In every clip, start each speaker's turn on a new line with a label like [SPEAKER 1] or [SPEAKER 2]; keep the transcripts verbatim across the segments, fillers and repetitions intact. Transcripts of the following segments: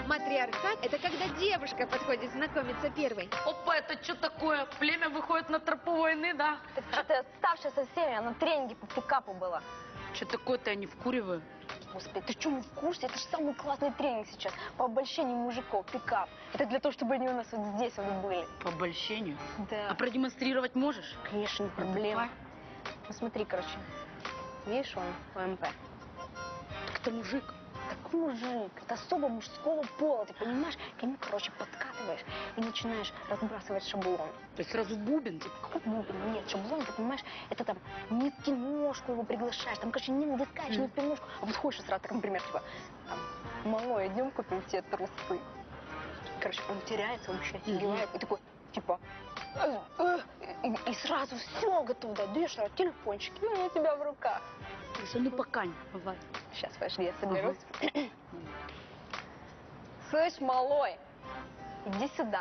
[SPEAKER 1] Матриархат – это когда девушка подходит знакомиться первой.
[SPEAKER 2] Опа, это что такое? Племя выходит на тропу войны, да?
[SPEAKER 3] Так что ты отставшая со всеми, я на тренинге по пикапу была.
[SPEAKER 2] Что такое-то я не вкуриваю?
[SPEAKER 3] Господи, ты что, не в курсе? Это же самый классный тренинг сейчас по обольщению мужиков, пикап. Это для того, чтобы они у нас вот здесь вот были.
[SPEAKER 2] По обольщению?
[SPEAKER 3] Да.
[SPEAKER 2] А продемонстрировать можешь?
[SPEAKER 3] Конечно, не проблема. Ну смотри, короче, видишь, он ОМП.
[SPEAKER 2] Так это мужик.
[SPEAKER 3] Так мужик, это особо мужского пола, ты понимаешь? К нему, короче, подкатываешь и начинаешь разбрасывать шаблон.
[SPEAKER 2] То есть сразу бубен, типа?
[SPEAKER 3] Какой бубен? Нет, шаблон, ты понимаешь, это там не в киношку его приглашаешь, там, короче, не на дискач, не в киношку, а вот ходишь сразу, так, например, типа, там, малой, идем купим тебе трусы. Короче, он теряется, он вообще офигевает, и такой, типа, э, э, и, и сразу все готово, да, даешь сразу телефончик, и он у тебя в руках.
[SPEAKER 2] Ну покань, давай.
[SPEAKER 3] Сейчас, подожди, я соберусь.
[SPEAKER 2] Ага.
[SPEAKER 3] Слышь, малой, иди сюда.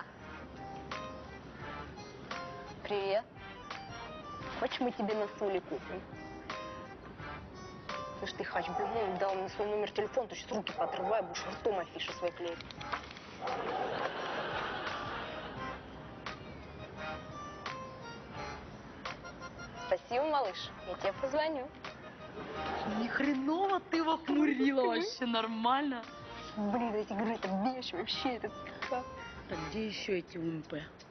[SPEAKER 3] Привет. Хочешь, мы тебе на соли купим? Слышь, ты хач, блин, дал мне свой номер телефона, ты сейчас руки поотрывай, будешь ртом афиши свои клеить. Спасибо, малыш, я тебе позвоню.
[SPEAKER 2] Ни хреново ты его хмурила вообще, нормально.
[SPEAKER 3] Блин, эти игры, это бешено вообще, это...
[SPEAKER 2] Так где еще эти УМП?